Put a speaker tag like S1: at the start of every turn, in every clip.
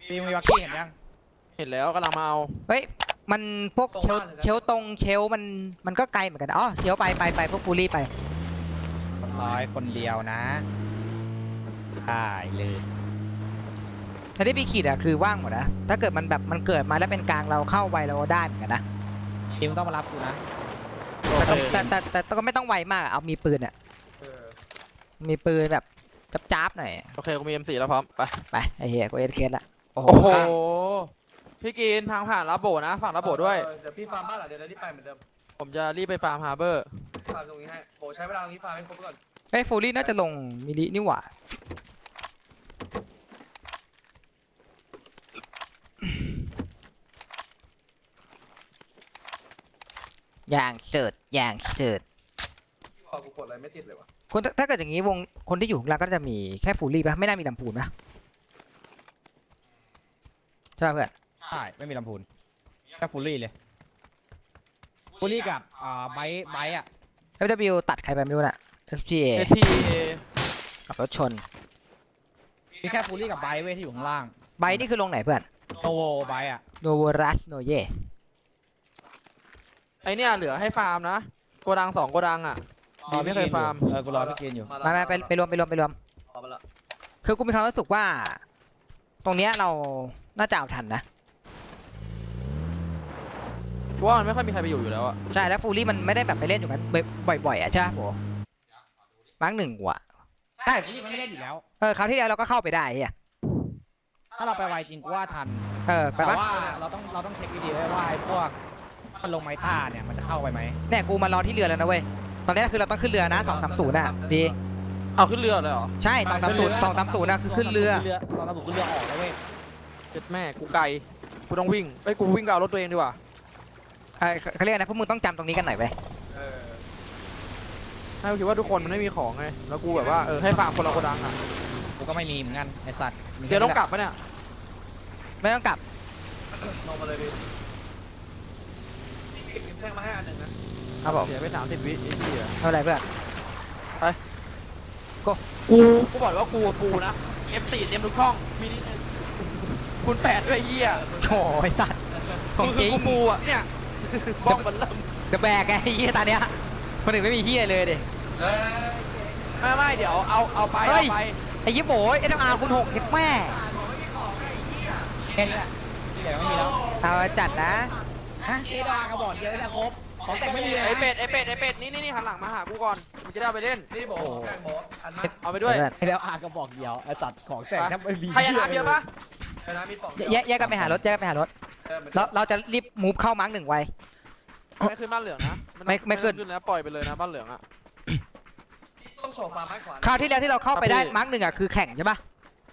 S1: มีวักกี้เห็นยัง
S2: เห็นแล้วกำลังมาเอา
S3: เฮ้ยมันพวกเชลตรงเชลมันก็ไกลเหมือนกันอ๋อเชลไปพวกฟูลี่ไป
S1: คนเดียวนะได้เลย
S3: แต่ที่พี่ขีดอะคือว่างหมดนะถ้าเกิดมันแบบมันเกิดมาแล้วเป็นกลางเราเข้าไวเราได้เหมือนกันนะ
S1: ทีมต้องมารับกูนะ
S3: แต่ก็ไม่ต้องไวมากเอามีปืนอะมีปืนแบบจับหน่อย
S2: โอเคกูมี M4 แล้วพร้อม
S3: ไปไอ้เหี้ยกูเอ็นเคสละ
S2: โอ้โหพี่กินทางผ่านรับโบนะฝั่งรับโบด้วย
S4: เดี๋ยวพี่ฟาร์มบ้านหลังเดี๋ยวรีบไปเหมือนเดิม
S2: ผมจะรีบไปฟาร์มฮาร์เบอร์
S4: ฟาร์มตรงนี้ให้โบใช้เวลาตรงนี้ฟาร์มให้ครบก่อน
S3: เฮ้ยฟูลี่น่าจะลงมิลินี่หว่าอย่างเสิร์ช
S4: พอกูกดอะไรไม่ติดเลยวะ
S3: คนถ้าเกิดอย่างนี้วงคนที่อยู่ข้างล่างก็จะมีแค่ฟูลี่ป่ะไม่น่ามีลำพูนป่ะใช่เพื่อน
S1: ใช่ไม่มีลำพูนแค่ฟูลี่เลยฟูลี่กับไบอะ
S3: FW ตัดใครไปไม่รู้น่ะ SPA กับรถชน
S1: มีแค่ฟูลี่กับไบเว้ยที่อยู่ข้างล่าง
S3: ไบนี่คือลงไหนเพื่อน
S1: โนโวไบอะ
S3: โนโวรัสโนเย
S2: ไอเนี่ยเหลือให้ฟาร์มนะโกดัง2โกดังอ่ะไม่เคยฟาร์ม
S1: กูรอพี่กินอยู่
S3: ไปรวมคือกูมีความรู้สึกว่าตรงเนี้ยเราน่าจะเอาทันนะ
S2: ว่ามันไม่ค่อยมีใครไปอยู่แล้วอ่ะ
S3: ใช่แล้วฟูลี่มันไม่ได้แบบไปเล่นอยู่กันบ่อยๆอ่ะใช่โหมั้งหนึ่งว่ะ
S1: ใช่ฟูลี่มันไม่เล่นอยู่แล้ว
S3: คราวที่แล้วเราก็เข้าไปได้เฮีย
S1: ถ้าเราไปไวจริงกูว่าทัน
S3: ไปว่า
S1: เราต้องเช็คดีๆว่าไอ้พวกมันลงไม้ท่าเนี่ยมันจะเข้าไปไหม
S3: เนี่ยกูมารอที่เรือแล้วนะเว้ยตอนนี้คือเราต้องขึ้นเรือนะ230น่ะดี
S2: เอาขึ้นเรือเลยเหรอ
S3: ใช่230นะคือขึ้นเรือ
S1: 230ขึ้นเรือออกแล้วเว้ย
S2: เจ็ดแม่กูไกลกูต้องวิ่งกูวิ่งไปเอารถตัวเองดีกว่า
S3: เขาเรียกนะพวกมึงต้องจำตรงนี้กันหน่อยไป
S2: ให้คิดว่าทุกคนมันไม่มีของไงแล้วกูแบบว่าให้ฟาร์มคนละโกดังอ่ะ
S1: กูก็ไม่มีเหมือนกันไอสัตว์
S2: เดี๋ยวต้องกลับปะเนี่ย
S3: ไม่ต้องกลับ
S4: ลงมาเลยพี่แท่งมาให้อันหนึ่งนะครับ
S3: ผม
S2: เสียไป30 วิไอ้เหี้ย
S3: เท่าไรเพื่อน
S2: ไปกูบอกว่ากูนะ F4 เต็มทุกช่องมีนี่คุณ8ด้วยเหี้ย
S3: โถ่ไอ้สัตว์ของจริง
S2: กูอ่ะเนี่ยบ้องมันเริ่ม
S3: จะแบกไอ้เหี้ยตาเนี้ยคนอื่นไม่มีเหี้ยเลยดิ
S2: ไม่เดี๋ยวเอาไป
S3: ไอ้ยี่โบยSMRคูณ6เห็นแม่
S1: แค่นี้แหละเดี๋ยวไม่มีแล้ว
S3: เอาจัดนะ
S1: SMRกระบอกเดียวแล้วครบของแต่งไม่มีเลย
S2: ไอเป็ดนี่หันหลังมาหากูก่อนมึงจะได้ไปเล่น
S4: นี่บอกแข่งบอส
S2: เอาไปด้วย
S1: SMRกระบอกเดียวจัดของแต่งถ้าไม่มี
S2: ใครจะน้ำเยอะปะ
S3: แยกกันไปหารถเราจะรีบมูฟเข้ามาร์ก1ไว
S2: ไม่ขึ้นบ้านเหลืองนะ
S3: ไม่ขึ้น
S2: แล้วปล่อยไปเลยนะบ้านเหลืองอ่ะ
S4: ต้องโชว์ฟาร์มให้ขวา
S3: คราวที่แล้วที่เราเข้าไปได้มาร์ก1อ่ะคือแข่งใช่ปะ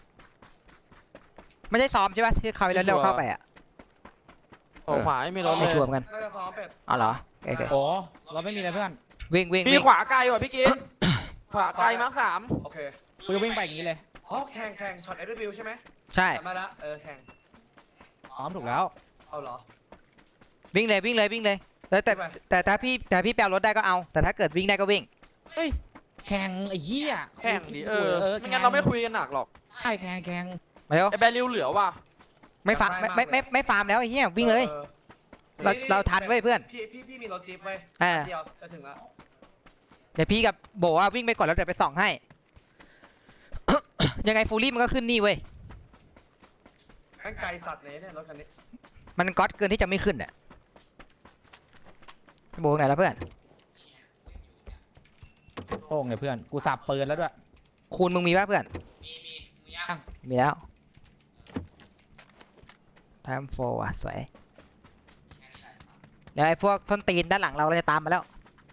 S3: ไม่ใช่ซ้อมใช่ปะที่คราวที่แล้วเราเข้าไปอ่ะ
S2: ขวาไม่มีรถเลย
S3: ชัวร์กันอ๋อเหรอ
S1: โอ้เราไม่มีอะไรเพื่อน
S3: วิ่ง
S2: มีขวาไกลว่ะพี่กินขวาไกลมาร์ค3
S4: โอเค
S1: กูวิ่งไปอย่างนี้เลย
S4: แข่งช็อตFWใช่ไหม
S3: ใช่
S4: มาละแข่ง
S1: ถูกแล้ว
S4: เอาเหรอ
S3: วิ่งเลยแต่ถ้าพี่แปลรถได้ก็เอาแต่ถ้าเกิดวิ่งได้ก็วิ่ง
S1: เฮ้ยแข่งไอ้เหี้ย
S2: แข่งดิไม่งั้นเราไม่คุยกันหนักหรอก
S1: ใช่แข่ง
S3: มาเร็ว
S2: ไอ้แบริวเหลือว่ะ
S3: ไม่ฟาร์มไม่ฟาร์มแล้วไอ้เหี้ยวิ่งเลยเราทันเว้ยเพื่อน
S4: พี่มีรถจี๊ปไว้เดียวจะถึงแล้ว
S3: เดี๋ยวพี่กับโบว่าวิ่งไปก่อนแล้วเดี๋ยวไปส่องให้ยังไงฟูลี่มันก็ขึ้นนี่เว้ย
S4: ไกลสัตว์เนี่ยรถคันนี้
S3: มันก๊อตเกินที่จะไม่ขึ้นอ่ะโบไหนแล้วเพื่อน
S1: โป้งเลยเพื่อนกูสับปืนแล้วด้วย
S3: คูณมึงมีป่ะเพื่อนมีแล้วไทม์โฟอ่ะสวยเดี๋ยวไอ้พวกส้นตีนด้านหลังเราจะตามมาแล้ว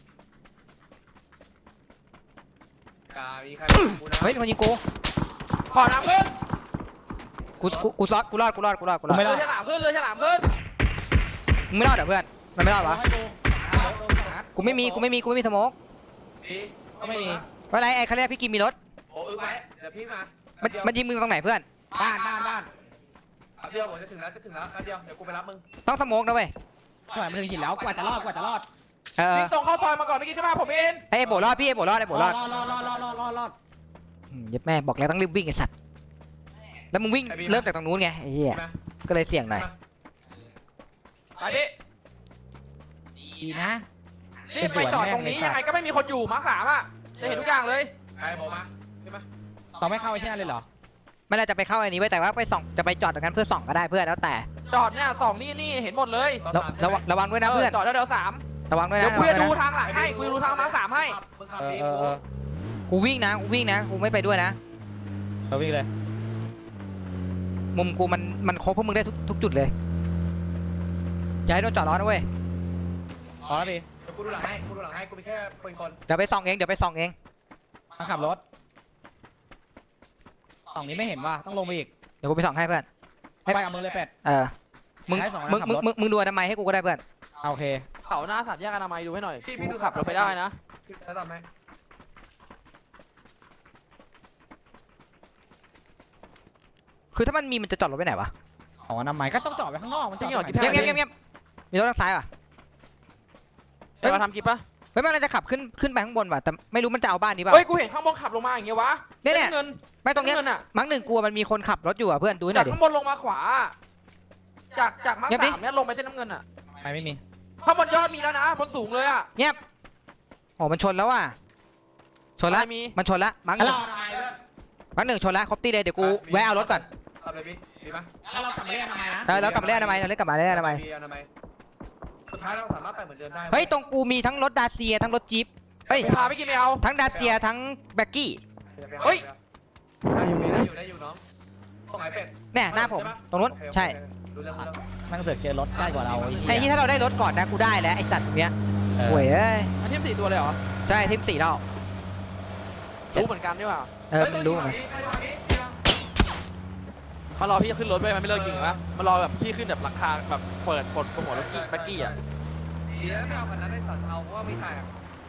S3: เฮ้ยคนยิงกู
S2: ขอน้ำขึ้น
S3: กูรอดไม่รอด
S2: เลยฉลามขึ้น
S3: มึงไม่รอดเหรอเพื่อนมันไม่รอดวะกูไม่มีสโมก
S1: ไม่มี
S3: อะไรไอ้เขาเรียกพี่กิมมีรถ
S4: โอ้ไปเดี๋ยวพี่มา
S3: มันยิงมึงตรงไหนเพื่อน
S4: บ้านเดี๋ยวผมจะถึงแล้วเดี๋ยวกูไปรับมึง
S3: ต้องสโมกนะเว้ย
S1: มันถึงหินแล้วกว่าจะรอด
S2: วิ่งตรงเข้าซอยมาก่อนเมื่อกี้ใช่ไหมผมเอง
S3: ไอ้โบรอดพี่ไอ้โบรอด
S1: รอด
S3: ยัดแม่บอกแล้วต้องรีบวิ่งไอ้สัตว์แล้วมึงวิ่งเริ่มจากตรงนู้นไงไอ้เหี้ย
S4: ใช่ไหม
S3: ก็เลยเสี่ยงหน่อย
S2: ไปพี่
S1: ดีนะ
S2: นี่ไปจอดตรงนี้ยังไงก็ไม่มีคนอยู่มาร์ค3อ่ะจะเห็นทุกอย่างเลย
S4: ไปบอกมาใช่ไหม
S1: เราไม่เข้าไอ้ที่นั่นเลยเหรอ
S3: ไม่น่าจะไปเข้าอันนี้ไว้แต่ว่าไปส่องจะไปจอดตรงนั้นเพื่อส่องก็ได้เพื่อนแล้วแต่
S2: จอดเนี่ยสองนี่เห็นหมดเลย
S3: ระวังด้วยนะเพื่อน
S2: จอดแล้วเดี๋ยว3
S3: ระวังด้วย
S2: เดี๋ย
S3: นะ
S2: วกูจะดู
S3: ระวังด้วยนะ
S2: ทางหลังให้กูจะดูทางมาร์ค3ให้
S4: มึงขับ
S1: เออ
S4: ดี
S1: เออเออ
S3: กูวิ่งนะกูไม่ไปด้วยนะ
S1: เราวิ่งเลย
S3: มุมกูมันครบพวกมึงได้ทุกจุดเลยอย่าให้โดนจอดล้อนะเว้ย
S1: พอแล้วพี่
S4: เดี๋ยวกูดูหลังให้กูมีแค่ปืนกล
S3: เดี๋ยวไปส่องเอง
S1: มาขับรถสองนี้ไม่เห็นว่าต้องลงไปอีก
S3: เดี๋ยวกูไปส่องให้เพื่อน
S1: ไปกับมือเลยเป็ด
S3: มึง
S1: ให้สองคน
S3: มึง
S1: ขับ
S3: มึง
S1: รถ
S3: มึงมึงดูอนามัยให้กูก็ได้เพื่อน
S1: โอเค
S2: เขาหน้าสัตว์แยกอนามัยดูให้หน่อยกูขับรถไปได้นะ
S4: แล้วทำไหม
S3: คือถ้ามันมีมันจะจอดรถไปไหนวะ
S1: ของอนามัยก็ต้องจอดไว้ข้างนอกมันจอด
S2: จริงเหรอ
S1: ไว้
S2: กิ๊บ
S3: เงียบมีรถทางซ้ายป่ะ
S2: เดี๋ยวมาทำกิ๊บปะ
S3: เฮ้ยมันจะขับขึ้นไปข้างบนว่ะแต่ไม่รู้มันจะเอาบ้านนี้เปล่า
S2: เฮ้ยกูเห็นข้างบนขับลงมาอย่างเงี้ยวะ
S3: เนี่ย
S2: เงิน
S3: ไม่ตรงเนี้ย
S2: เงินอ่ะ
S3: มั้งหนึ่งกลัวมันมีคนขับรถอยู่อ่ะเพื่อนดูให้หน่
S2: จา
S3: อก ยดิ
S2: ข้างบนลงมาขวาจากมาร์ค
S3: เงียบดิ
S2: 3เนี่ยลงไปเส้นน้ำเงินอ่ะ
S1: ไม่มี
S2: ข้างบนยอดมีแล้วนะบนสูงเลยอ่ะ
S3: เงียบโอ้มันชนแล้วว่ะชนละ
S2: ไม่มี
S3: มันชนละมั้งห
S4: แล้ว
S3: นึ่ง
S4: เราทำไมเพื่อน
S3: มั้งหนึ่งชนละครบตีเลยเดี๋ยวกูแวะเอารถก่อน
S4: ขับเลยพี่ดีไหม
S1: แล้วเรากลับมาเรียกทำไมนะ
S3: แล้วกลับมาเล่นอนามัยเราเล่นกลับมาเล่นอนามัย
S4: อนามัยสุดท้ายเราสามารถไปเหมือนเดิมได้
S3: เฮ้ยตรงกูมีทั้งรถดาเซียทั้งรถจี๊ปเฮ้ย
S2: พาไปกินไม่เอา
S3: ทั้งดาเซียทั้งแบ็กกี้
S2: เฮ้ย
S4: ได้อยู่น้องตรงไหนเป็ด
S3: เนี่ยหน้าผมตรงนู้นใช่
S4: ดูแล้ว
S1: นั่งเสือกเจอรถใกล้กว่าเรา
S3: ไอ้ที่ถ้าเราได้รถก่อนนะกูได้แล้วไอ้สัตว์ตรงเนี้ย
S1: เออ
S3: ห่วยเอ้ย
S2: อันนี้4ตัวเลยเหรอ
S3: ใช่ทีม4แล้ว
S2: รู้เหมือนกันดีกว่า
S3: มันรู้เหมือนกัน
S2: มารอพี่ขึ้นรถไปมันไม่เลิกยิงวะมารอแบบพี่ขึ้นแบบหลังคาแบบเปิดปลดโปรโมทรถแบ็กกี้อ่ะ
S4: ดีแล้วไม่เอาคันนั้นในสัตว์เอาเพราะว่าไม่ถ่าย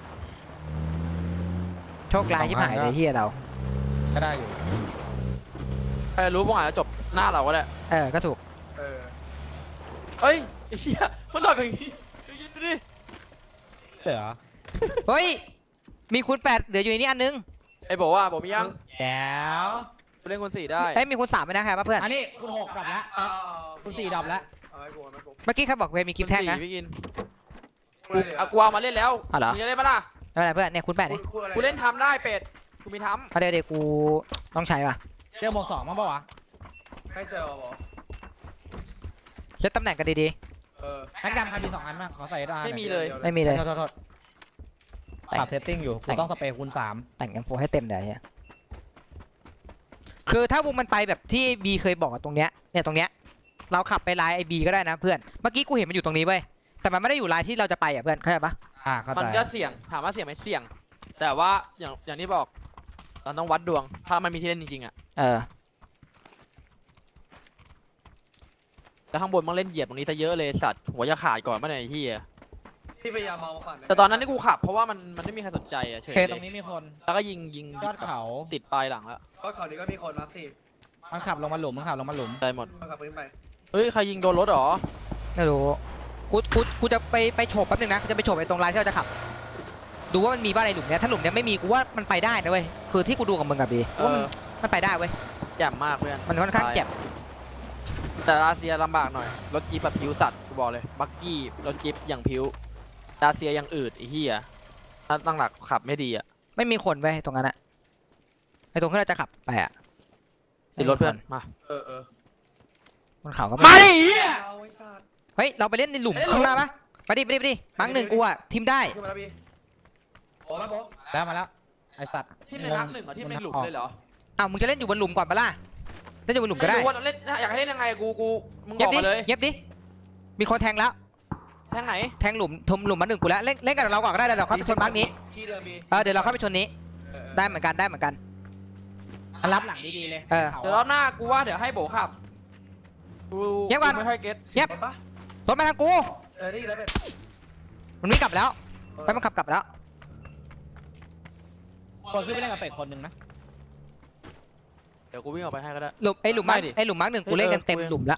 S3: โชคร้ายที่หายเลยเฮียเรา
S1: ก็ได้อยู่
S2: ใครรู้พวกอาจจะจบหน้าเราก็ได้
S3: ก็ถูก
S2: เฮ้ยไอ้เหี้ยมันหลอกอย่างงี้ดูดิ
S1: เหลือ
S3: เฮ้ยมีคูณ8เหลืออยู่ในนี้อันนึง
S2: ไอ้บอกว่าบอกมียัง
S1: แก้ว
S2: กูเล่นคน4ได้
S3: เอ้ยมีคูณ3ไหมนะครับเพื่อน
S1: อันนี้คุณ6ดับแล้วคุณ4ดับแล้ว
S4: เอาไว้กู
S3: เมื่อกี้เขาบอกเวมีคลิปแท่งนะ
S2: พี่กินเอากูเอามาเล่นแล้ว
S3: อ๋อเหรอ
S2: มึงจะเล่นปะล่ะ
S3: ไม่เป็นไรเพื่อนเนี่ยคูณ8นี่
S2: กูเล่นทำได้เป็ดกูมีท
S3: เอาเดี๋ยวกูต้องใช้ป่ะ
S1: เรียกโมง2มั้งปะวะ
S4: ไม่เจอหรอ
S3: เซตตำแหน่งกันดี
S1: แม็กดำใครมี2อันบ้างขอใส่ได้
S2: ำไม่มีเลย
S3: ๆไม่มีเลย
S1: โทษปรับเซตติ้งอยู่กูต้องสเปรย์คูณ
S3: แต่งกันโฟให้เต็มเลยเฮียคือถ้าวงมันไปแบบที่บีเคยบอกอะตรงเนี้ยเนี่ยตรงเนี้ยเราขับไปไลน์ไอบีก็ได้นะเพื่อนเมื่อกี้กูเห็นมันอยู่ตรงนี้เว้ยแต่มันไม่ได้อยู่ไลน์ที่เราจะไปอ่ะเพื่อนเข้าใจปะ
S1: เข้า
S2: มัน
S1: ใจ
S2: ก็เสี่ยงถามว่าเสี่ยงไหมเสี่ยง แต่ว่าอย่างที่บอกเราต้องวัดดวงถ้ามันมีที่เล่นจริงๆอ่ะ แต่ข้างบนมันเล่นเหยียบตรงนี้ซะเยอะเลยสัตว์หัวจะขาดก่อนเมื่อไหร่ไอ้เหี้ย
S4: พี่พยายามมองฝัน
S2: แต่ตอนนั้นที่กูขับเพราะว่ามันไม่มีใครสนใจอ่ะเฉย
S1: เค
S2: เล
S1: ตรง
S2: ย
S1: นี้มีคน
S2: แล้วก็ยิง
S1: ยอดเขา
S2: ติดปลายหลังแล้ว
S4: ก็เขานี้ก็มีคนมาสิ
S1: มันขับลงมาหลุมมันขับลงมาหลุม
S2: ได้หมด
S4: มาขับปืนไป
S2: เฮ้ยใครยิงโดนรถเหรอ
S3: ไม่รู้กูจะไปโฉบแป๊บนึงนะจะไปโฉบไอ้ตรงไลน์ที่เราจะขับ ดูว่ามันมีบ้านในหลุมเนี้ยถ้าหลุมเนี้ยไม่มีกูว่ามันไปได้นะเว้ยคือที่กูดูกับมึงกับบี
S2: เอ
S3: ว่า
S2: อ
S3: มันไปได้เว้ย
S2: แจ่มมากเพื่อน
S3: มันค่อนข้างเจ็บ
S2: แต่รัสเซียลำบากหน่อยรถจี๊ปแบบผิวสัตว์กูบอกเลยบักกี้รถจี๊ปอย่างผิวรัสเซียยังอืดไอ้เหี้ยถ้าตั้งหลักขับไม่ดีอ่ะ
S3: ไม่มีคนเว้ยตรงนั้นอะไอ้ตรงที่เราจะขับไปอะ
S2: ติดรถเพื่อนมา
S3: บนเขาก็
S2: มา
S3: ไม่
S2: ดิเหี้ย
S4: เอาไอ้สัตว์
S3: เฮ้ยเราไปเล่นในหลุม
S2: เล่นในหลุม
S3: ข้างหน้าปะไปดิมั้งหนึ่งกูอะทีมได้
S4: ขึ้นมาแล้วพี่โอ้มาโบ
S1: แล้วมาแล้วไอสัตว์
S2: ที่ในพักหนึ่งเหรอที่ในหลุมเลยเหรอ
S3: อ้าวมึงจะเล่นอยู่บนหลุมก่อนปะล่ะเล่นอยู่บนหลุมก็ได้
S2: ไม่รู้ว่าเล่นอยากให้เล่นยังไงกูมึงบ
S3: เย็
S2: อบ ก
S3: ดิ
S2: มาเลย
S3: เย็บดิมีคนแทงแล้ว
S2: แทงไหน
S3: แทงหลุมทมหลุมมาหนึ่งกูแล้วเล่นกับเราก่อนก็ได้แล้วเราเข้าไปชนมาร์กนี้
S4: ที่เดิมพี่
S3: เดี๋ยวเราเข้าไปชนนี้ได้เหมือนกัน
S1: มันรับหลังดีๆเลย
S2: เดี๋ยวรอบหน้ากูว่าเดี๋ยวให้โบขับกู
S3: เงียบก่อน
S2: ไม่ค่อยเก็ต
S3: เงียบ
S4: ปะ
S3: รถมาทางกู
S4: นี่แล้วเป็น
S3: มันไม่กลับแล้วไปมันขับกลับแล้ว
S1: คนขึ้นไปเล่นกับเป็ดคนหนึ่งนะ
S2: เดี๋ยวกูวิ่งออกไปให้ก็ได้
S3: หลุมไอ้หลุมมาร์ก
S2: ไม่ดิ
S3: ไอ้หลุมมาร์กหนึ่งกูเล่นกันเต็มหลุมแล้ว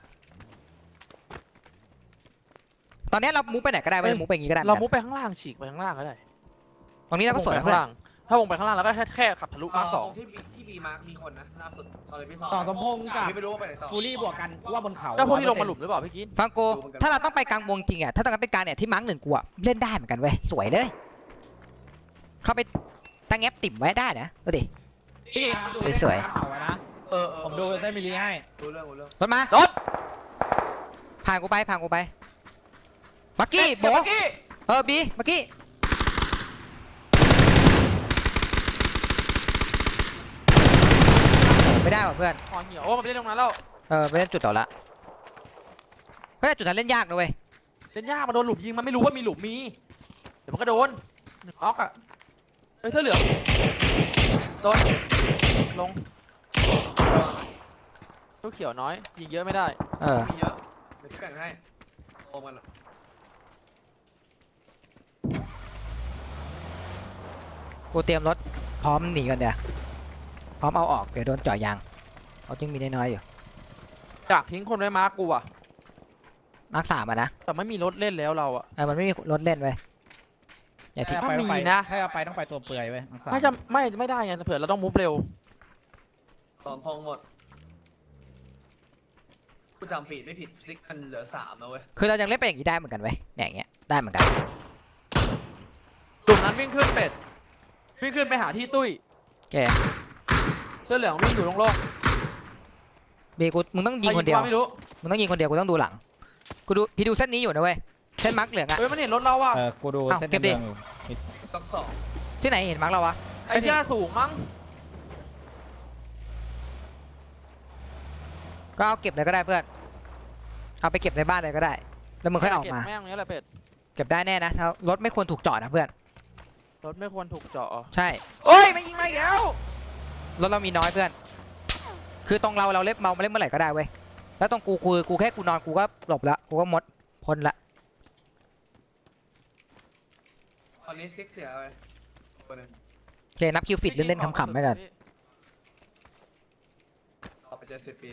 S3: ตอนนี้เรามูฟไปไหนก็ได้เว้ยมูฟไปอย่างงี้ก็ได้
S2: เรามุดไปข้างล่างฉีกไปข้างล่างก็ได้
S3: ตรงนี้เราก็สวยนะ
S2: ข้า
S3: เพื่
S2: ง
S3: อน
S2: ล่างถ้าวงไปข้างล่างแล้วก็แค่ขับทะลุมาร์ค
S4: ต
S2: ส
S4: ร
S2: อง
S4: งที่บีมาร์คมีคนนะล่าสุดตอนเลยพี่สอง
S1: ต่อสมพงษ์กับ
S4: พี่ไม่รู้ว่าไปไหนต่อ
S1: ฟูรี่บวกกันว่าบนเขา
S2: ก็พวกที่ลงมาหลุมหรือเปล่าพี่กิน
S3: ฟังกูถ้าเราต้องไปกลางวงจริงอ่ะถ้าต้องการเป็นกลางเนี่ยที่มาร์กหนึ่งกูอ่ะเล่นได้เหมือนกันเว้ยสวยเลย เข้าไปตั้งแอปติ่มไว้ได้นะดูดิ
S1: พี่ครับดู
S3: สวยๆ
S1: เขาไว้นะ ผมดูได้มิลลีให้
S4: รู้เรื่อง
S3: รถมาร
S2: ถ
S3: ผ่านกูไปบักกี้โบ
S2: เมื่อกี้
S3: บีบักกี้ไม่ได้ว่ะเพื่อน
S2: อ๋อเหี่ยวโอ้มันไปเล่นตรงนั้นแล้ว
S3: ไปเล่นจุดต่อละก็แต่จุดนั้นเล่นยากนะเว้ย
S2: เล่นยากมาโดนหลุมยิงมันไม่รู้ว่ามีหลุมมีเดี๋ยวมันก็โดนหนึ่งออกอ่ะเฮ้ยเสื้อเหลืองโดนลงตู้เขียวน้อยยิงเยอะไม่ได้
S4: มีเยอะเดี๋ยวพี่แบ่งให้โอมกัน
S3: กูเตรียมรถพร้อมหนีกันเดี๋ยวพร้อมเอาออกเดี๋ยวโดนเจ่อยางเขาจึงมีน้อยๆอยู่
S2: อยากทิ้งคนไว้มาร์คกูอ่ะ
S3: มาร์ค 3อ่ะนะ
S2: แต่ไม่มีรถเล่นแล้วเราอ่ะ
S3: มันไม่มีรถเล่นเว้ยอย่าทิ้ง
S2: ถ้ามี
S1: ไป
S2: นะ
S1: ถ้าเอาไปต้องไปตัวเปลือยเว้ย
S2: ไม่ได้ไงเผื่อเราต้องมูฟเร็ว
S4: สองทองหมดกูจำผิดไม่ผิดซิกมันเหลือ3แล้วเว้ย
S3: คือเรายังเล่นไปอย่างนี้ได้เหมือนกันเว้ยเนี่ยอย่างเงี้ยได้เหมือนกัน
S2: กลุ่มนั้นวิ่งขึ้นเป็ดวิ่งขึ้นไปหาที่ตุ้ย
S3: โอเค
S2: เสื้อเหลืองวิ่งอยู่โล่ง
S3: บีกูมึงต้อง
S2: ๆ
S3: ยิงคนเดียว
S2: ไม่รู้
S3: มึงต้องยิงคนเดียวกูต้องดูหลังกูดูพี่ดูเส้นนี้อยู่นะเว้ยเส้นมาร์คเหลืองอะ
S2: เฮ้ยมันเห็นรถเราอ่ะ
S1: กูดู
S3: อ้าว
S1: เส้น
S3: เก็บดิ
S1: เมืองอยู่
S4: ต้องสอง
S3: ที่ไหนเห็นมาร์คเราวะ
S2: ไอ้เจ้าสูงมั้ง
S3: ก็เอาเก็บเลยก็ได้เพื่อนเอาไปเก็บในบ้านเลยก็ได้ แล้วมึงค่อยออกมา
S2: แม่งเนี้ยแหละเป็ด
S3: เก็บได้แน่นะถ้ารถไม่ควรถูกจอดนะเพื่อน
S2: รถไม่ควรถูกเจาะ
S3: ใช่
S2: โอ้ยไม่ยิงมาอีกแล้ว
S3: รถเรามีน้อยเพื่อน คือตรงเราเล่นเมาเล่นเมื่อไหร่ก็ได้เว้ยแล้วตรงกูแค่กูนอนกูก็หลบละกูก็มดพ้นละ
S4: ตอนนี้ซิกเสียไปคนนึง
S3: โอเคนับคิวฟิตเล่นๆขำๆไปกัน
S4: ต่อไป70 ปี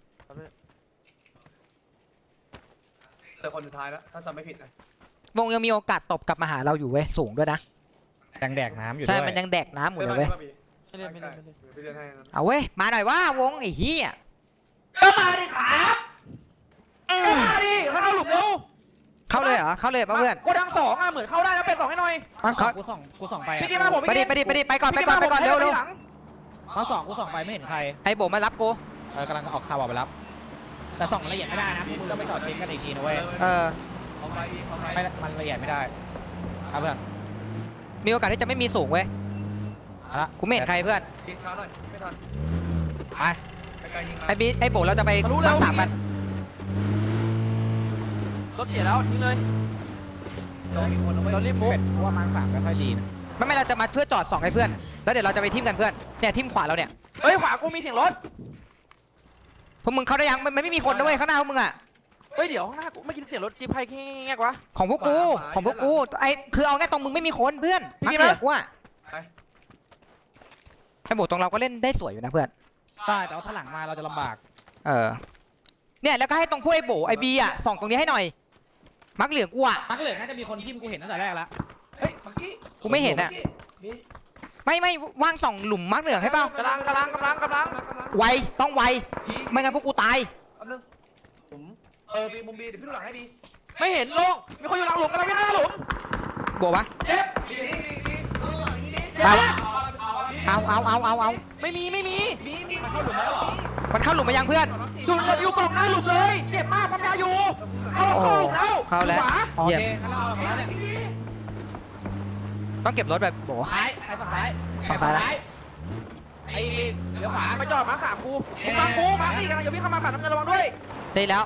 S4: แต่คนสุดท้ายแล้วถ้าจำไม่ผิดนะ
S3: วงยังมีโอกาสตบกลับมาหาเราอยู่เว้ยสูงด้วยนะ
S1: ยังแดกน้ำอยู่
S3: ใช่
S1: ด้วย
S3: มันยังแดกน้ำหมดเลยเว้ย
S2: ไม่เล่นไม่เล่นไม่เล่น
S4: พี่เล่นให้นะ
S3: เอาเว้ยมาหน่อยว่าวงไอ้เหี้ย
S2: ก็มาดิครับก็มาดิมาเข้าหลุมเร็ว
S3: เข้าเลยเหรอเข้าเลยป่ะเพื่อน
S2: โกดัง2อ่ะเหมือนเข้าได้แล้วเป็ด2ให้หน่อย
S1: มาสองกูส่องไป
S2: พี่กินมาผม
S3: ไปดิไปก่อนเร็ว
S1: มาสองกูส่องไปไม่เห็นใคร
S3: ไอ้โบมารับกู
S1: กำลังออกข่าวออกไปรับ แต่ส่องละเอียดไม่ได้นะมึงต้องไปจอดเช็คกันอีกทีนะเว้ย
S4: เอาไปพี่เอาไป
S1: ไม่มันละเอียดไม่ได้ครับเพื่อน
S3: มีโอกาสที่จะไม่มีสูงเว้ย
S1: เอาละ
S3: กูไม่เห็นใครเพื่อน
S4: ยิงช้าหน่อยไม่ทัน
S1: ไป
S4: ไกลๆยิงมา
S3: ไอ้โบเราจะไปมาร์ค 3กัน
S2: รถเสียแล้วทิ้งเลย
S4: โดนมีคนเอาไว้
S2: เรารีบมุก
S1: เป็ดเพราะว่ามาร์ค3ไม่ค่อยดีนะ
S3: ไม่เราจะมาเพื่อจอด2ให้เพื่อนแล้วเดี๋ยวเราจะไปทิมกันเพื่อนเนี่ยทิมขวาเราเนี่ย
S2: เฮ้ยขวากูมีเสียงรถ
S3: พวกมึงเข้าได้ยังมันไม่มีคนนะเว้ยข้างหน้าพวกมึงอ่ะ
S2: เฮ้ยเดี๋ยวข้างหน้ากูไม่กินเสียงรถจิ๊บใครแง่ๆวะ
S3: ของพวกกูไอ้คือเอาแค่ตรงมึงไม่มีคนเพื่อน
S2: พี่
S3: มัก
S2: กิน
S3: เห
S2: ไหม
S3: ลือกูอ่ะ
S4: ไป
S3: ไอ้โบตรงเราก็เล่นได้สวยอยู่นะเพื่อน
S1: ใช่แต่ว่าถ้าหลังมาเราจะลำบาก
S3: เนี่ยแล้วก็ให้ตรงพวกไอ้โบไอ้บีอ่ะส่องตรงนี้ให้หน่อยมักเหลือกูอ่ะ
S1: มาร์คเหลืองน่าจะมีคนทิมกูเห็นตั้งแต่แรกแล้ว
S4: เฮ้ยเมื่อกี้
S3: กูไม่เห็นอ่ะ
S4: นี่
S3: ไม่ว่างส่องหลุมมักเหลืองให้เปล่าก
S2: ำลัง
S3: ไวต้องไวไม่งั้นพวกกูตาย
S4: แป๊บนึงผมบีมุมบีเดี๋ยวพี่ดูหลังให้บี
S2: ไม่เห็นลงมีคนอยู่หลังหลุมกำลังวิ่งหน้าหลุม
S3: โบวะ
S2: เจ็บ
S4: บีนี่ดูหลังนี่นี่
S2: เจ็บ
S3: เอา
S2: ไม่มี
S4: บีมันเข้าหลุมแล้วเหรอ
S3: มันเข้าหลุมมายังเพื่อน
S2: อยู่กล่องหน้าหลุมเลยเจ็บมากปั๊มยาอยู่เข้าหลุมแล้ว
S3: เข้าแล้ว
S2: ขวา
S1: โอ
S3: เยี่ย
S1: เค
S3: ม
S1: งั้นเราเอาแล้วเนี่ย
S3: ต้องเก็บรถแบบโบ
S1: ซ้ายไปฝั่งซ้าย
S3: ฝั่งซ้าย
S1: ไอ้เดี๋ยวขวา
S2: ไปจอดมา3กูมา4กันอย่าวิ่งเข้ามาขาดน้ำเงินระวังด้วย
S3: ได้แล้ว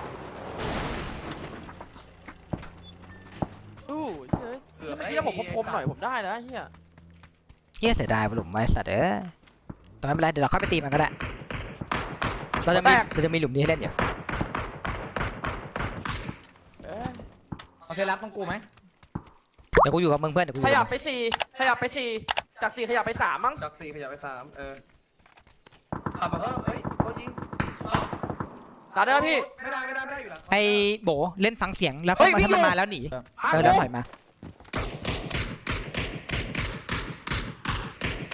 S2: อู้เฮ้ยเมื่อกี้ผมคมๆหน่อยผมได้แล้วเฮีย
S3: เยี่ยเสียดายหลุมไว้สัตว์ตอนนั้นไม่เป็นไรเดี๋ยวเราค่อยไปตีมันก็ได้เราจะมีหลุมนี้ให้เล่นอยู่
S1: เอาเซรับต้องกูไหม
S3: เดี๋ยวกูอยู่กับมึงเพื่อนเดี๋ยวกูอ
S2: ข
S3: ยู่
S2: ยั
S3: กั
S2: บบ ไป4จาก4ขยับไป3มั้ง
S4: จาก4ขยับไป3ขับมาเพิ่มเอ้ยโคยิง
S2: ตัดได้ไหมพี่
S4: ไม่ได้อยู่หลัง
S3: ไอ้โบเล่นฟังเสียงแล้ว
S2: เฮ้ย
S3: ถ้ามันมาแล้วหนี
S2: มา
S3: แล้วถอยมา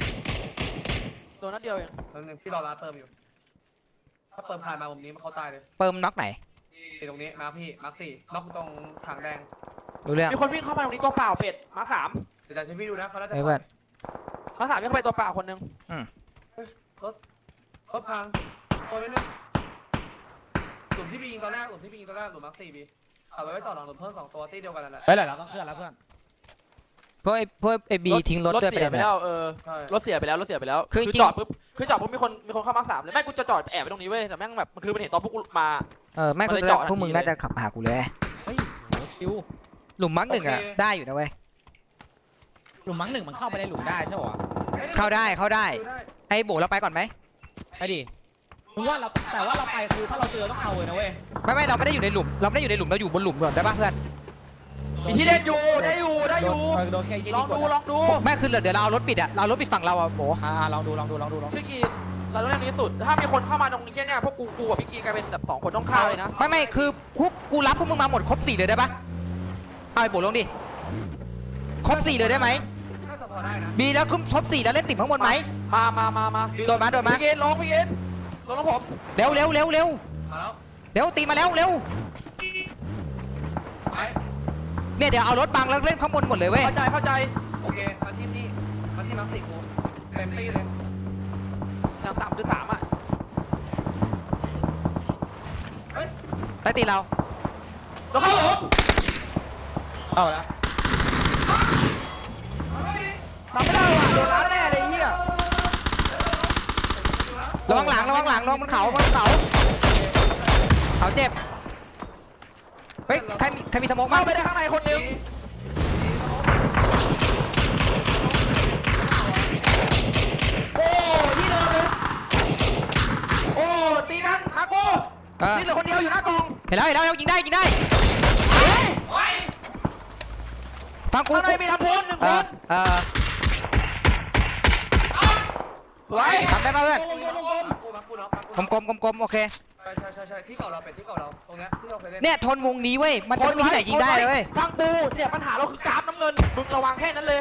S2: นนัดเดียวเอง
S4: แล้วนึงพี่รอร้านเติมอยู่ถ้าเติมผ่านมามุมนี้มันเขาตายเลย
S3: เปิมน็อกไหน
S4: ตรงนี้มาพี่มาร์คสี่น็อกตรงถังแดง
S3: รู้เรื่อง
S2: มีคนวิ่งเข้ามาตรงนี้ตัวเปล่าเป็ดมาสาม
S4: เดี๋ยวจะให้พี่ดูนะเขาน่าจะ
S3: เฮ้ยเพื่อน
S2: มาสามวิ่งเข้าไปตัวเปล่าคนนึง
S4: รถพังตัวนิดนึงหลุมที่พี่ยิงตอนแรกหลุมมาร์คสี่พี่เอาไว้จอดหลังหลุมเพิ่ม2 ตัวที่เดียวกันนั่นแหละ
S1: เฮ้ยเดี๋ยวเราต้องเคลื่อนแล้วเพื่อน
S3: พวกไอ้บีทิ้งรถด้วย
S2: เสีย
S3: ไป
S2: ไป
S3: แล้
S2: แล้ว ว
S4: ใช่
S2: รถเสียไปแล้ว
S3: คือจริง
S2: จอดปุ๊บมีคนเข้ามาสามเลยไม่กูจะจอดแอบไปตรงนี้เว้ยแต่แม่งแบบมันคือมันเห็นตอนพวกกูมา
S3: แม่ง
S2: มัน
S3: คือ
S2: เลยเจาะทันที
S3: พวกมึงน่าจะขับหากูเลย
S1: เฮ้ยโหชิว
S3: หลุมมักหนึ่งอะได้อยู่นะเว้ย
S1: หลุมมั้งหนึ่งมันเข้าไปในหลุมได้ใช่ปะ
S3: เข้าได้ไอ้โบเราไปก่อนไหม
S1: ไปดิมึงว่าเราแต่ว่าเราไปคือถ้าเราเจอต้องเอาเลยนะเว้ย
S3: ไม่เราไม่ได้อยู่ในหลุมเราอยู่บนหลุมก่อนได้ป่ะเพื่อน
S2: มีที่เล่นอยู่ได้อยู่
S1: โดนแค่ยี่
S2: ล
S1: นี่
S2: อง
S1: ก
S2: ดู
S1: ด
S2: ลองดู
S3: ไม่คือเดี๋ยวเราเอารถปิดอะเราเอารถปิดฝั่งเราอะโบ
S1: ลองดู
S2: พี่กีเราต้องเล่นนี้สุดถ้ามีคนเข้ามาตรงนี้เนี่ยพวกกูกับพี่กีกลายเป็นแบบ2 คนต้องฆ่าเลยนะ
S3: ไม่คือกูรับพวกมึงมาหมดครบ4เลยได้ป่ะเอาไอ้โบลงดิครบ4เลยได้ไหม
S4: น่าจะพอได้นะ
S3: บีแล้วครบ4แล้วเล่นติ่มข้างบนไหม
S2: มา
S3: โดนมา
S2: พี่กีลงผม
S3: เร็ว
S4: มาแล้ว
S3: ตีมาแล้วเร็ว
S4: ไป
S3: เนี่ยเดี๋ยวเอารถบังแล้วเล่นข้างบนหมดเลยเว้ย
S2: เข้าใจ
S4: โอเคมาที่นี่มาที่มาร์คสี่กูเต็มที่เลย
S2: อย่างต่ำคือ3อ่ะ
S3: ได้ตีเรา
S2: แล้วเข้าผม
S1: เอาแล้ว
S2: ทำไม่ได้ว่ะโดนร้านแน่เลยเฮีย
S3: ระวังหลังระวังบนเขาเขาเจ็บเฮ้ยใครมีสโมก
S2: เข้า
S3: มั้ง
S2: ไปได้ข้างในคนนึงโอ้ที่เดิมเลยโอ้ตีกันมาโก้นี่เหลือคนเดียวอยู่หน้ากอง
S3: เห็นแล้วยิงได้ฟังกู
S2: ข้างในมีลำพูน1 คน สวย
S3: ทำได้ป่ะเพื่อน
S4: มากูน็อก
S3: กลมโอเค
S4: ใช่ที่เก่าเราเป็นที่เก่าเราตรงเนี้ยที่เราเคยเล่น
S3: เนี่ยทนวงนี้เว้ยมันไม่มีที่ไหนยิงได้เลยเว้ย
S2: ฟังกูเนี่ยปัญหาเราคือกราฟน้ำเงินมึงระวังแค่นั้นเลย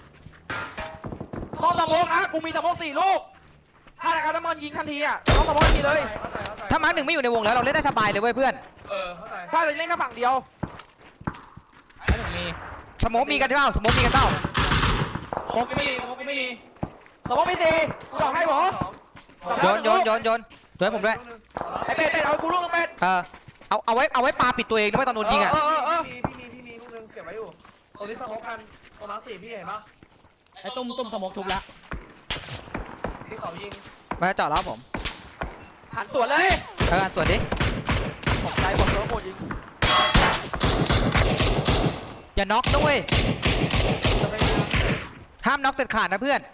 S2: ต้องสมองนะกูมีสมอง4 ลูกถ้ากราฟน้ำเงินยิงทันทีอ่ะต้องสมองทีเลย
S3: ถ้ามาร์คหนึ่งไม่อยู่ในวงแล้วเราเล่นได้สบายเลยเว้ยเพื่อน
S4: เข้าใจ
S2: ถ้าจะเล่นแค่ฝั่งเดียว
S1: แล้วหนึ่งมี
S3: สโมกมีกันเปล่าสโมกมีกันเปล่า
S1: โมก็ไม่มี
S2: สมองมี4กูบอกให้หมอ
S3: โยนให้ผมด้วย
S2: ไอ้เป็ดเอากูลูกนึงเป็ด
S3: เอาไว้ปาปิดตัวเองด้วยตอนโดนยิงอ่ะ
S4: พี่มีลูกนึงเก็บไว้อยู่ตรงนี้สมองกันตรงมาร์คสี่พี่เห็นปะ
S1: ไอ้ตุ้มสมองทุบแล้ว
S4: ที่เขายิง
S3: มาจอดแล้วผม
S2: หันสวนเลย
S3: สวัสดี
S2: ตกใจบอกเลยว่าโคตรยิง
S3: อย่าน็อกนะเว้ย
S4: จะไป
S3: ห้ามน็อกเด็ดขาดนะเพื่อน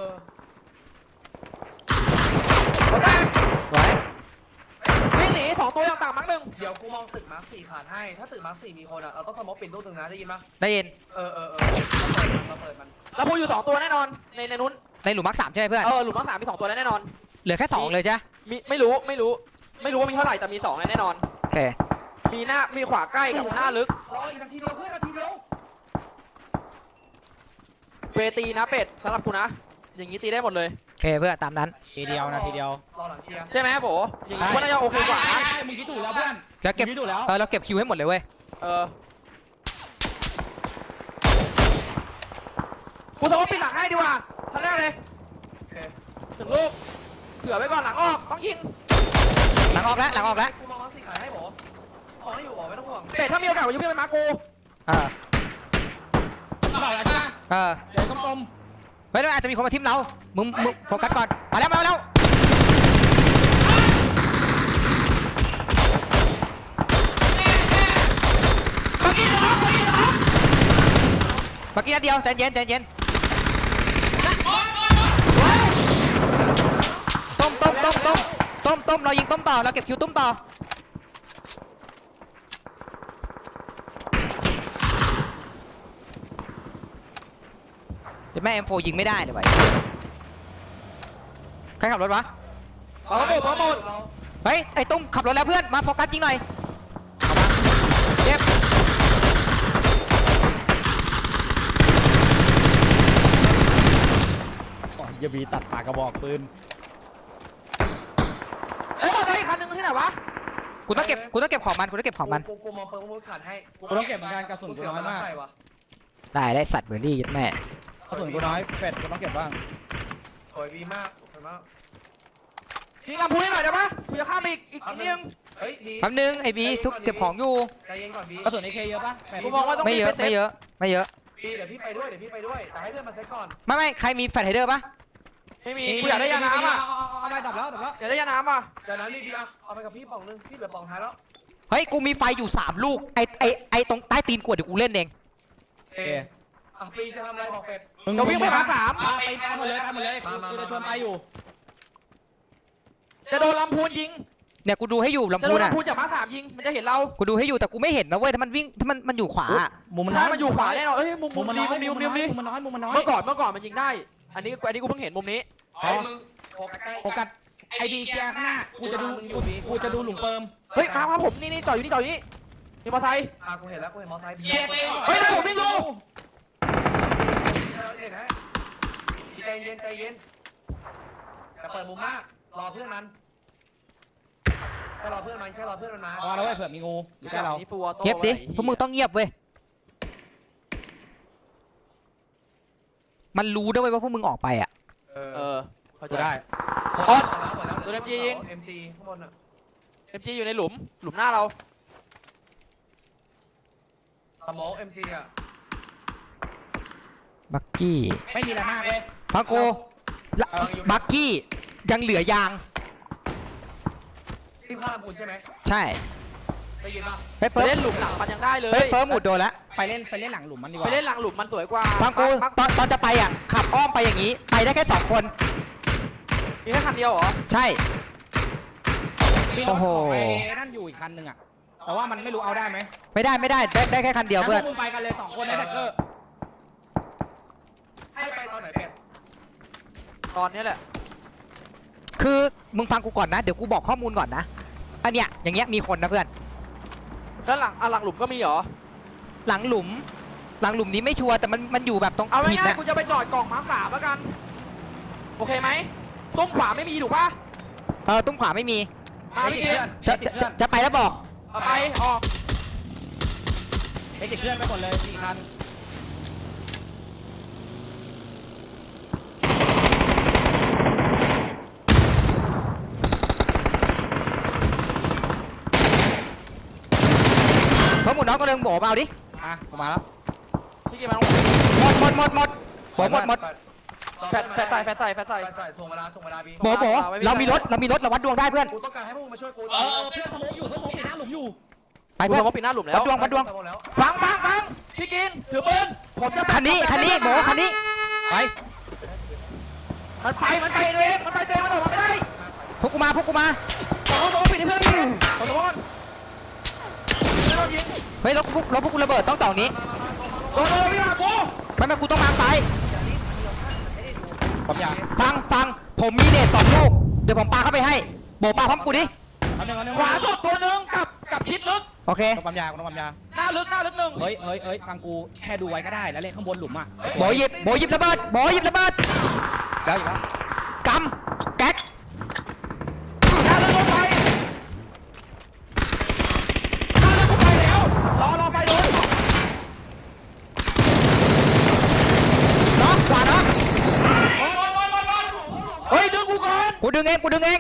S3: สวย
S2: วิ่งหนี2 ตัวอย่างต่างมั้งหนึ่ง
S4: เดี๋ยวกูมองตึกมาร์คสี่ขาดให้ถ้าตึกมาร์คสี่มีคนอ่ะเราต้องสมองปิดลูกนึงนะได้ยินปะ
S3: ได้ยิน
S4: เราเปิดมัน
S2: แล้วพูอยู่2 ตัวแน่นอนในนู้น
S3: ในหลุมมาร์ค3ใช่ไหมเพื่อน
S2: หลุมทั้ง3มี2 ตัวแน่นอน
S3: เหลือแค่2เลยจ้ะ
S2: ไม่รู้ว่ามีเท่าไหร่แต่มี2แน่นอน
S3: โอเค
S2: มีขวาใกล้กับหน้าลึก
S4: รออีกนาทีเดียวเพื่อนนาทีเดียว
S2: เวตีนะเป็ดสำหรับกูนะอย่างนี้ตีได้หมดเลย
S3: โอเคเพื่อนตามนั้น
S1: ทีเดียวนะทีเดียว
S4: รอหลังเคลียร์
S2: ใช่ไหมโบอย่างนี้ก็น่าจะโอเคกว่านะ
S1: มึงคิดถูกแล้วเพื่อน
S3: จะเก็บ
S1: คิดถูกแล้ว
S3: เราเก็บคิวให้หมดเลยเว้ย
S2: กูจะว่าปิดหลังให้ดีกว่าทันแรกเลย
S4: โอเค
S2: 1 ลูกเผื่อไว้ก่อนหลังออกต้องยิง
S3: หลังออกแล้ว
S4: กูมองมาร์คสี่ขายให้หมอขอให้อยู่หมอไม่ต้องห่วง
S2: เป็ดถ้ามีโอกาสจะวิ่งไปมากู
S1: บอกแล้วใช่ไหมเดี๋ยวต้ม
S3: ไม่ได้อาจจะมีคนมาทิมเรามึงโฟกัสก่อนมาแล้วเมื่อกี้นัดเดียวใจเย็นต้มเรายิงต้มต่อเราเก็บคิวต้มต่อแต่แม่ M4 ยิงไม่ได้เลยวะใครขับรถวะ
S2: พร้อมหมด
S3: เฮ้ยไอ้ตุ้มขับรถแล้วเพื่อนมาโฟกัสยิงหน่อยเจ็บ
S1: ๆอย่าบีตัดปากกระบอกปืน
S3: กูต้องเก็บของมันกูต้องเก็บของมัน
S4: กูมองเปิร์มูดขาดให้
S1: กูต้องเก็บเหมือนกันกระสุนกูน้อยมาก
S4: ใส่วะ
S3: ได้สัตว์เบอร์รี่ยัดแม่
S1: กระสุนกูน้อยเป็ดกูต้องเก็บบ้าง
S4: สวยดีมากสวยมาก
S2: ยิงลำพูให้หน่อยได้ปะกูจะข้ามไปอีกนิดนึง
S4: เฮ้ยดี
S3: แป๊บนึงไอ้บีทุกเก็บของอยู่
S4: ใจเย็นก่อนบี
S1: กระสุนAKเยอะปะเป็ด
S2: กูมองว่าต้อง
S3: ไม่เยอะ
S2: รีบป
S3: ไม่เยอะไม่เยอะ
S4: บีเดี๋ยวพี่ไปด้วยแต่ให้เพื่อนมาเซตก่อน
S3: ไม่ใครมีแฟลชไฮเดอร์ปะ
S2: ไม่มีกูอยากได้ยาน้ำอ่ะ
S1: เอาไปดับแล้ว
S2: อยากได้ยาน้ำอ่ะ
S4: จากนั้นบีเอาไปกับพี่ป่องนึงพี่เหลือป่องท้ายแล้ว
S3: เฮ้ยกูมีไฟอยู่3 ลูกไอตรงใต้ตีนกวดเดี๋ยวกูเล่นเอง
S4: ปีจะทำอะไรบอกเป็ด
S2: เดี๋ยววิ่งไปหาสาม
S1: ไปหมดเลยกูจะชวนไปอยู่
S2: จะโดนลำพูนยิง
S3: เนี่ยกูดูให้อยู่
S2: จะ
S3: ลำ
S2: โด
S3: พู
S2: น
S3: นอ่ะ
S2: ลำพูนจากมาสามยิงมันจะเห็นเรา
S3: กูดูให้อยู่แต่กูไม่เห็นนะเว้ยถ้ามันวิ่งถ้ามันอยู่ขวาอะ
S1: มุมมันน้
S2: ถ้า
S1: อย
S2: มันอยู่ขวาแน่นอนเอ้ยมุม
S1: มุมมันน้อย
S2: ดี
S1: มุมมันน้อยมุมมันน้อย
S2: เมื่อก่อนมันยิงได้ อันนี้กูเพิ่งเห็นมุมนี้
S4: ไอ้มึงโฟกัสใกล้
S1: โฟกัสไอดีแกข้างหน้ากูจะดูหลุมเปิม
S2: เฮ้ยมาผมนี่จอดอยู่นี่มีมอเตอร์ไซค์
S4: กูเห็นแล้วกูเห็นมอไซค์
S2: เฮ้ยได้ผมวิ่งอยู่
S4: เห็นไหมใจเย็นอย่าเปิดมุมมากรอเพื่อนมันแค่รอเพื่อนมันมา
S1: เอาแล้วเว้ยเผื่อมีงูอยู่ใกล้เรา
S2: นี่ฟูออโต้
S3: เงียบดิพวกมึงต้องเงียบเว้ยมันรู้ด้วยเวยว่าพวกมึงออกไปอ่ะ
S2: เออเข้า
S1: กู
S2: ใจ
S1: ได้
S4: ตัว MG ยิง MG ข้างบนอ่ะ
S2: MG อยู่ในหลุมหน้าเรา
S4: สมอง MG อ่ะ
S3: บักกี้
S1: ไม่มีอะไรมากเว้ย
S3: ฟังกูละบักกี้ยังเหลือยาง
S4: ที่ข้ามคุณใช่ไหม
S3: ใช่
S4: ได้ยินป่ะ
S3: เฮ้ย
S2: ไป
S3: เปิร์
S2: เล่นหลุมหลังมันยังได้เลย
S3: เฮ้ยเปิร์หมุดโดนแล้ว
S1: ไปเล่นหลังหลุมมันดีก
S2: ไป
S1: ว่า
S2: เล่นหลังหลุมมันสวยกว่า
S3: ฟังกูตอนจะไปอ่ะขับอ้อมไปอย่างนี้ไปได้แค่2 คน
S2: มีแค่คันเดียวเหรอ
S3: ใช่
S1: มีรถของไอ้นั่นอยู่อีกคันหนึ่งอะแต่ว่ามันไม่รู้เอาได้ไหม
S3: ไม่ได้แค่คันเดียวเพื่อน
S1: มึงไปกันเลย2 คนในแท็กเกอร์
S4: ให้ไปตอนไหนเป็ด
S2: ตอนนี้แหละ
S3: คือมึงฟังกูก่อนนะเดี๋ยวกูบอกข้อมูลก่อนนะอันเนี้ยอย่างเงี้ยมีคนนะเพื่อน
S2: แล้วหลังหลุมก็มีเหรอ
S3: หลังหลุมนี้ไม่ชัวร์แต่มันอยู่แบบตรง
S2: เอา
S3: หิน
S2: ง่าย
S3: นะ
S2: ๆกูจะไปจอดกล่องมาร์ค3แล้วกันโอเคไหมตุ้มขวาไม่มีถูกป่ะ
S3: ตุ้มขวาไม่มี
S2: มาพี่เกม
S3: จะไปแล้วบอก
S2: เอาไปออก
S1: ไอ้ติดเคลื่อนไปหมดเลย4 คัน
S3: เพราะหมุนน้องก็เดินโบมาเอาดิ
S1: กูมาแล้ว
S2: พี่เกมมาต้อง
S3: หมดโบหมด
S2: แฟดใส่
S4: ใส่ถ่วงเวลาบี
S3: โบเรามีรถเราวัดดวงได้เพื่อน
S4: กูต้องการให้พวกมึงมาช่วยกู
S1: เพื่อนสมองอยู่เพื่อนสมองปิดหน้าหลุมอยู่
S3: ไป
S2: กู
S3: เพื่อน
S2: สมมติปิดหน้าหลุมแล้ว
S3: วัดดวง
S4: แล้ว
S2: ฟังพี่กินถือปืนผมจะ
S3: คันนี้โบคันนี้
S1: ไป
S2: มันไปเองมันออกมาไม่ได้
S3: พวกกูมา
S2: สมมติปิดให้เพื่อนพี่สมมติไม่ต้องยิง
S3: เฮ้ยรถพวกกูระเบิดต้องต่อนี้
S2: โดนเลยพี่มากู
S3: ไม่กูต้องมาซ้าย
S1: ผมอยาก
S3: ฟังผมมีเดท2 ลูกเดี๋ยวผมปาเข้าไปให้โบปาพร้อมกูดิ
S2: ขวาสุดตัวนึงกับชิดลึก
S3: โอเค
S1: ต้องปั๊มยา
S2: หน้าลึกหนึ่ง
S1: เฮ้ยฟังกูแค่ดูไว้ก็ได้แล้วเล่นข้างบนหลุมอ่ะ
S3: โบหยิบระเบิด
S1: แล้วอยู่แล้ว
S3: กำแก๊ก
S2: หน้าลึกลงไปแล้วรอไปเลย
S3: น็อกขวาน็อก
S2: เฮ้ยดึงกูก่อน
S3: กูดึงเอง
S4: หัวนี้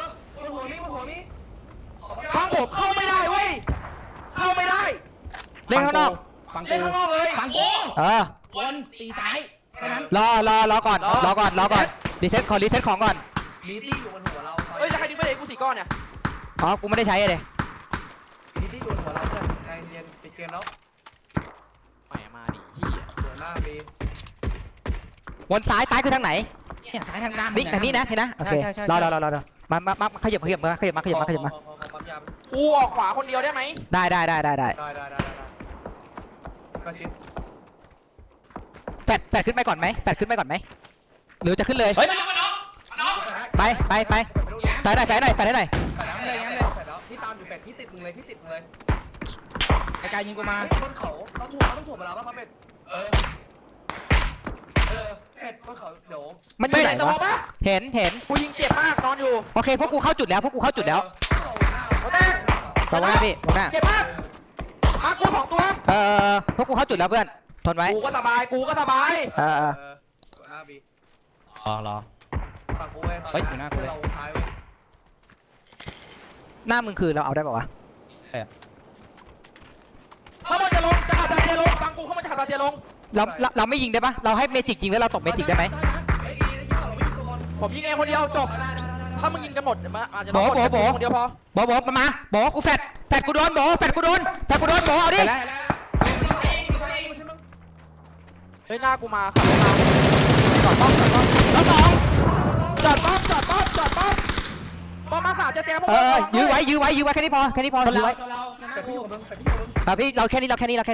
S2: ฟังผมเข้าไม่ได้เว้ยเข้าไม่ได้
S3: เล่นข้างนอก
S1: ฟัง
S2: เล่น
S1: กู
S2: ข้างนอกเลย
S1: ฟังกู วนตีซ้ายแค่นั้น
S3: รอก่อนรีเซ็ตของก่อน
S4: มีที่อยู่บนหัวเรา
S2: เฮ้ยจะใครดึงไปเลยกู4 ก้อนเนี่ย
S3: อ๋อกูไม่ได้ใช้เลย
S4: มีที่อยู่บนหัวเราเพื่อนใจเย็นปิดเกมแล้ว
S2: แหมมาดิเหี้ย
S4: เดี๋ยวหน้าบี
S3: วนซ้ายคือทางไหน
S1: เนี่ยซ้ายทางด้าน
S3: นี่ทางนี้นะเห็นนะโอเครอมาขยับมา
S4: ปั๊มยา
S2: กูออกขวาคนเดียวได้ไหม
S3: ได้
S4: ได้ก็ชิด
S3: แฟดขึ้นไปก่อนไหมหรือจะขึ้นเลย
S1: เฮ้ยมันน็อก
S3: ไปแฟดให้หน่อย
S4: แต่แล้วพี่ตามอยู่เป็ดพี่ติดมึงเลย
S1: ไอ้กายยิงกูมา
S4: บนเขาต้องถ่วงเวลาป่ะเป็ดเป็ดบนเขาเดี๋ยว
S3: มันอยู่ไหน
S2: แต่
S3: วะ
S2: บอกปะ
S3: เห็น
S2: กูยิงเจ็บมากนอนอยู่
S3: โอเคพวกกูเข้าจุดแล้ว
S2: โอ้แม่
S3: วางหน้าพี่วางหน้า
S2: เก็บมากมากู2ตัว
S3: พวกกูเข้าจุดแล้วเพื่อนทนไว้
S2: กูก็สบายกูก็สบาย
S4: หน้าบี
S1: รอ
S4: ฝั่งกูเว้ยตอน
S1: เฮ้ยอยู่หน้ากูเลย
S4: เราท้ายเว้ย
S3: หน้ามึงคือเราเอาได้ป่าวะ
S2: ถ้ามันจะลงจะขับดาเซียลงฟังกูเขามันจะขับดาเซียลง
S3: เราไม่ยิงได้ปะเราให้เมจิกยิงแล้วเราตบเมจิกได้ไหม
S4: เฮ้ยดีนะเราไม่ยิงตัวบอล
S2: ผมยิงเองคนเดียวจบ
S4: ได้
S2: ถ้ามึงยิงกันหมดอาจจะคนเดียวพอ
S3: บอกมาบอกกูแฟดกูโดนบอกแฟดกูโดนบอกเอาดิ
S1: ไปแล้ว
S2: เฮ้ยหน้ากูมาขับมาจอดป้อมแล้วจอดป้อมป้อมมาขาจะแจมพวก
S3: ยื้อไว้แค่นี้พอยื้อไว้
S4: แต่พี่ของมึง
S3: พี่เราแค่นี้รอแค่นี้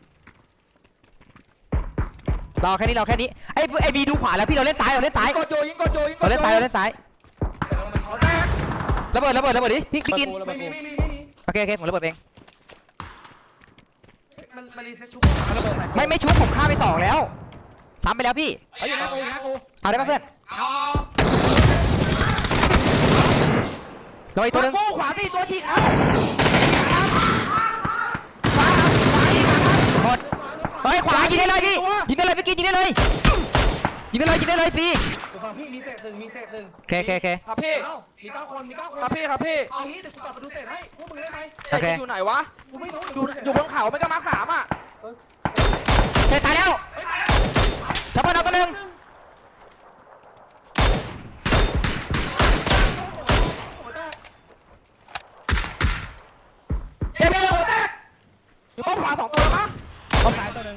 S3: ไอ้บีดูขวาแล้วพี่เราเล่นซ้าย
S2: กดโยยิง
S3: เราเล่นซ้าย
S2: เอาแตก
S3: ระเบิดดิพี่กิน
S4: ไม่มี
S3: โอเคผมระเบิดเอง
S4: มันรีเซ็ตชุบ
S3: ไม่ชุบผมฆ่าไป2แล้วซ้ำไปแล้วพี่
S1: เฮ้ยอยู่หน้ากู
S3: เอาได้ปะเพื่อน
S1: เอา
S3: เราอีกตัวนึง
S2: กูขวาตีตัวฉีกเอา
S3: หมดเฮ้ยขวายิงได้เลยพี่ยิงได้เลยพี่กินยิงได้เลยฟรี
S4: ฝั่งพี่มีเศษหนึ่ง
S3: โอเค
S2: ครับพี่
S4: เอ้ามี9 คน
S2: ครับพี่
S4: เอางี้เดี๋ยวกูกลับไปดูเศษให้พวกมึงได้ไหม
S3: โอเค
S2: อยู่ไหนวะ
S4: กูไม่รู้
S2: อยู่บนเขาไม่ก็มาร์ค 3อ่ะ
S3: เสร็จตายแล้วชาวบ้านเอาตัวนึง
S2: เจ็บไปเลยหัวแตกอยู่ป้อมขวา2ตัวมั้ง
S1: เอาซ้ายตัวหนึ่ง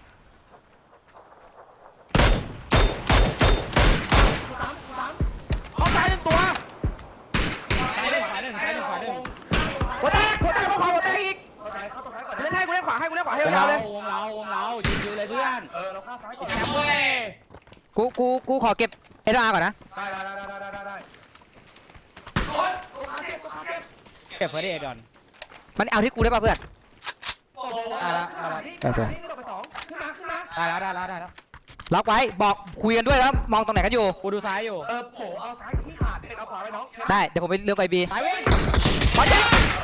S2: เอาซ้าย1ตัว
S1: ซ้ายหนึ่งขวาหนึ่ง
S2: หัวแตกป้อมขวาหัวแตกอีก
S4: เข้าตัวซ้ายก่อน
S2: เล่นให้กูเล่นขวาให้
S1: วง
S2: ยาวเลย
S1: เรายืนเลยเพื่อน
S4: เราฆ่าซ้ายก่อน
S1: แชมป์เว้ย
S3: กูขอเก็บเอ็ดอาร์ก่อนนะ
S4: ได้โอ้ยตัวขาเจ็บ
S1: เก็บเฟอร์เดย์ก่อน
S3: มันเอาที่กูได้ป่ะเพื่อน
S4: โอ้โหนี่เราไป2ขึ้นมา
S1: ได้แล้ว
S3: ล็อกไว้บอกคุยกันด้วยแล้วมองตรงไหนกันอยู่
S1: กูดูซ้ายอยู่
S4: โผเอาซ้ายที่ขาดเด็กเอาขวาไปน้อง
S3: ได้เดี๋ยวผมไปเลือกไอบี
S1: ซ้ายเว้ย
S2: มาเจ็บ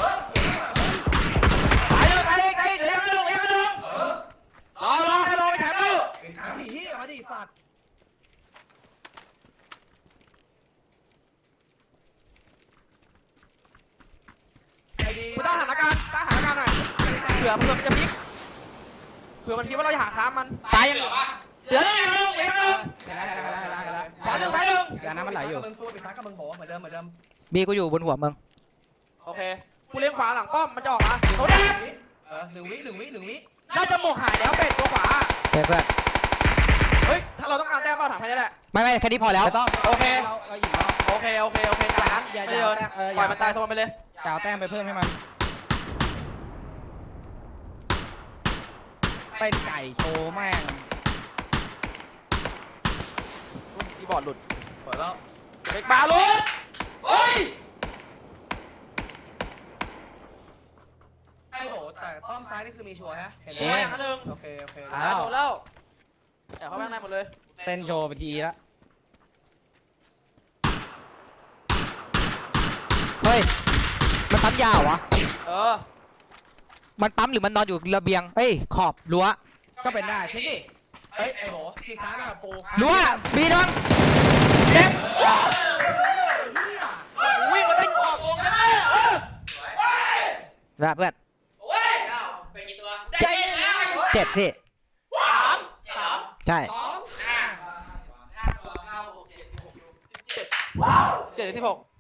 S2: ตายเลยเลี้ยงกระดูกรอให้รอไปแถมดู
S4: เป็นขาผีที่มาดิสัตว์ไอ้ดี
S2: กูตั้งสถานการณ์หน่อยเผื่อมันจะพลิกเผื่อมันคิดว่าเราจะหาทางมัน
S1: ซ้ายยังเหลือวะ
S2: เดี๋ยวเลี้ยงกระดูก
S1: เห็นแล้ว
S2: ขวาหนึ่ง
S1: ยาน้ำมันไหลอยู่
S4: มึงตัวไปซ้ายกับมึงโผเหมือนเดิม
S3: บีกูอยู่บนหัวมึง
S2: โอเคกูเลี้ยงขวาหลังป้อมมันจะออกมาโดนแดง
S4: 1 วิ
S2: น่าจะหมกหายแล้วเป็ดตัวขวา
S3: เพื่อน
S2: เฮ้ยถ้าเราต้องการแต้มเปล่าถามแค่นี้แหละ
S3: ไม่แค่นี้พอแล้ว
S1: ไม่ต้อง
S2: โอเค
S1: เราหยิบแล้ว
S2: โอเคจากนั้น
S1: อย่า
S2: ไม่เดิน
S1: เออ
S2: ปล่อยมันตายโทนไปเลย
S1: จะเอาแต้มไปเพิ่มให้มันเป็นไก่โชว์แม่ง
S2: คีย์บอร์ดหลุด
S4: เปิดแล้ว
S2: เบรกบาร์หลุดเฮ้ย
S4: ไอ้โหแต่ป้อมซ้ายนี่คือมีชัวร์ฮะเห็นไหม
S2: โอ้ยอย่างนั้นหนึ่ง
S4: โอเค
S2: โดนแล้วแต่เขาแม่งได้หมดเลย
S1: เต้นโชว์ไปทีละ
S3: เฮ้ยมันปั๊มยาววะ
S2: เออ
S3: มันปั๊มหรือมันนอนอยู่ระเบียงเฮ้ยขอบรั้ว
S1: ก็เป็นได้เช็คดิ
S4: เอ้ยไอ้โหทีซ้ายมาปู
S3: รั้วบีโดน
S2: เจ็บวิ่งมาได้ออกวงแล้ว
S3: นะเพื่อน
S2: ใจเย็นนะ
S3: เจ็บพี่
S2: 3
S3: ใช่
S4: 2
S2: 7 16